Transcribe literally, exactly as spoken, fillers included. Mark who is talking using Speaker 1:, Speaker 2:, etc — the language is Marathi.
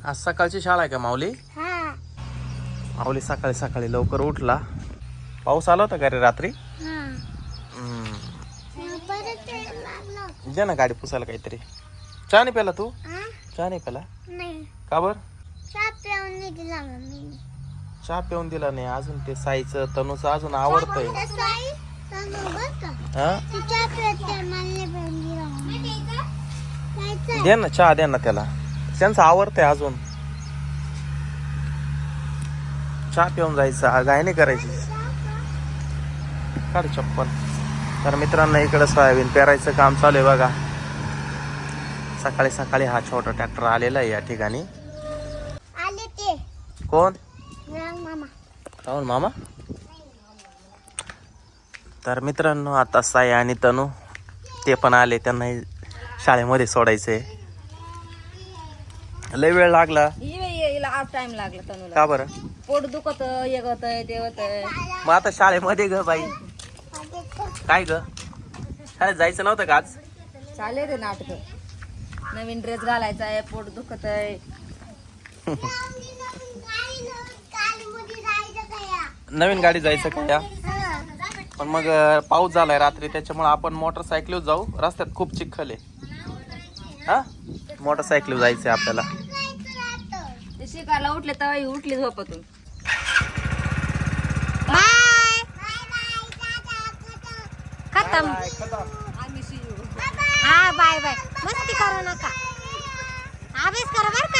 Speaker 1: आज सकाळची शाळा आहे का माऊली?
Speaker 2: हा
Speaker 1: माऊली सकाळी सकाळी लवकर उठला. पाऊस आला होता का रे रात्री?
Speaker 2: हा
Speaker 1: हम्म.
Speaker 2: परत यायला लागलं.
Speaker 1: दे ना गाडी पुसायला काहीतरी. चहा नाही प्याला तू?
Speaker 2: हा?
Speaker 1: चहा नाही प्याला
Speaker 2: नाही
Speaker 1: का बर?
Speaker 2: चहा पिऊन नाही दिला मम्मीने.
Speaker 1: चहा पिऊन दिला नाही अजून. ते साईचं तनूचं अजून आवडतंय.
Speaker 2: तसं आई, तसं बरं का?
Speaker 1: हा
Speaker 2: ती चहा पित नाही, मला नाही पिऊन दिला मम्मीने. जायचंय?
Speaker 1: दे ना चहा, दे ना त्याला. त्यांचं आवडतंय अजून. चहा पिऊन जायचं, गाय नाही करायची. काढ चप्पल. तर मित्रांनो इकडे सोयाबीन पेरायचं काम चालू आहे बघा. सकाळी सकाळी हा छोटा ट्रॅक्टर आलेला आहे या ठिकाणी.
Speaker 2: आले ते
Speaker 1: कोण?
Speaker 2: राम मामा.
Speaker 1: राहुल मामा. तर मित्रांनो आता साई आणि तनू ते पण आले. त्यांना शाळेमध्ये सोडायचंय. लय वेळ लागला
Speaker 3: हिला आज टाइम लागला तनुला.
Speaker 1: का बरं?
Speaker 3: पोट दुखत एक होतंय ते होतंय.
Speaker 1: मग आता शाळेमध्ये ग बाई. काय ग शाळेत जायचं नव्हतं का आज?
Speaker 3: चालेल रे नाटक. नवीन ड्रेस घालायचा आहे, पोट दुखत आहे.
Speaker 1: नवीन गाडी जायचं का या? पण मग पाऊस झालाय रात्री त्याच्यामुळे आपण मोटरसायकलीवर जाऊ. रस्त्यात खूप चिखल आहे. हा मोटरसायकलीवर जायचंय आपल्याला.
Speaker 3: ते शिकायला उठले तर ही उठली झोपतून.
Speaker 2: खतम.
Speaker 3: आम्ही शिव.
Speaker 2: हा बाय बाय. मस्ती करू नका. अभ्यास करा बरं